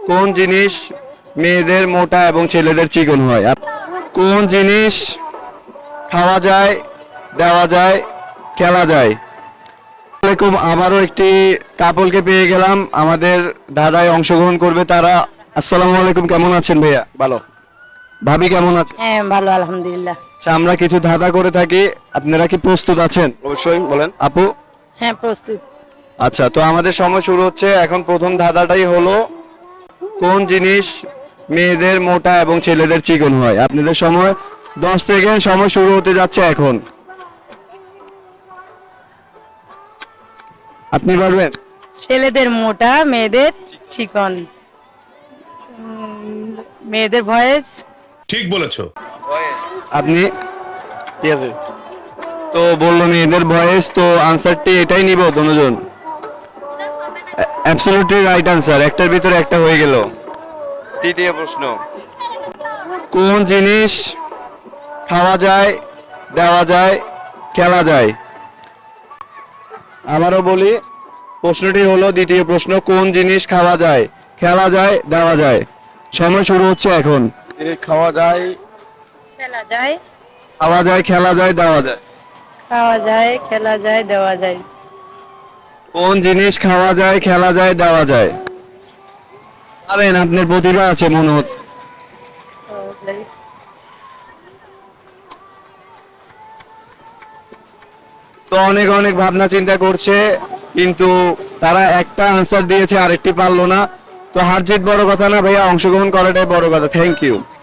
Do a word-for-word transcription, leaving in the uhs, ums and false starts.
কোন জিনিস মেয়েদের মোটা এবং ছেলেদের চিকন হয়? আপ- কোন জিনিস খাওয়া যায়, দেওয়া যায়, খেলা যায়? এরকম আবারও একটি কাপলকে পেয়ে গেলাম, আমাদের দাদায় অংশগ্রহণ করবে তারা। আসসালামু আলাইকুম, কেমন আছেন ভাইয়া? ভালো। ভাবি কেমন আছে? হ্যাঁ ভালো আলহামদুলিল্লাহ। আচ্ছা, আমরা কিছু ধাঁধা করে থাকি, আপনারা কি প্রস্তুত আছেন? অবশ্যই বলেন। আপু, হ্যাঁ প্রস্তুত। আচ্ছা তো আমাদের সময় শুরু হচ্ছে এখন। প্রথম ধাঁধাটাই হলো, কোন জিনিস মেয়েদের মোটা এবং ছেলেদের চিকন হয়? আপনাদের সময় দশ সেকেন্ড, সময় শুরু হতে যাচ্ছে এখন। আপনি পারবেন? ছেলেদের মোটা, মেয়েদের চিকন। উম, মেয়েদের ভয়েস। ঠিক বলেছো। আপনি? ঠিক আছে। তো বললো মেয়েদের ভয়েস, তো আনসারটি এটাই নিব দুজন। অ্যাবসলিউটলি রাইট আনসার, একটার ভিতরে একটা হয়ে গেল। তৃতীয় প্রশ্ন, কোন জিনিস খাওয়া যায়, দেওয়া যায়, খেলা যায়? আবারও বলি, প্রশ্নটি হলো দ্বিতীয় প্রশ্ন, কোন জিনিস খাওয়া যায়, খেলা যায়, দেওয়া যায়? সময় শুরু হচ্ছে এখন। খাওয়া যায়, খেলা যায়, খাওয়া যায়, খেলা যায়, দেওয়া যায়। খাওয়া যায়, খেলা যায়, দেওয়া যায়। কোন জিনিস খাওয়া যায়, খেলা যায়, দেওয়া যায়? পারেন, আপনার প্রতিভা আছে মনে হচ্ছে। তো অনেক অনেক ভাবনা চিন্তা করছে, কিন্তু তারা একটা আনসার দিয়েছে, আরেকটি পারলো না। তো হার জিত বড় কথা না ভাইয়া, অংশগ্রহণ করাটাই বড় কথা। Thank you.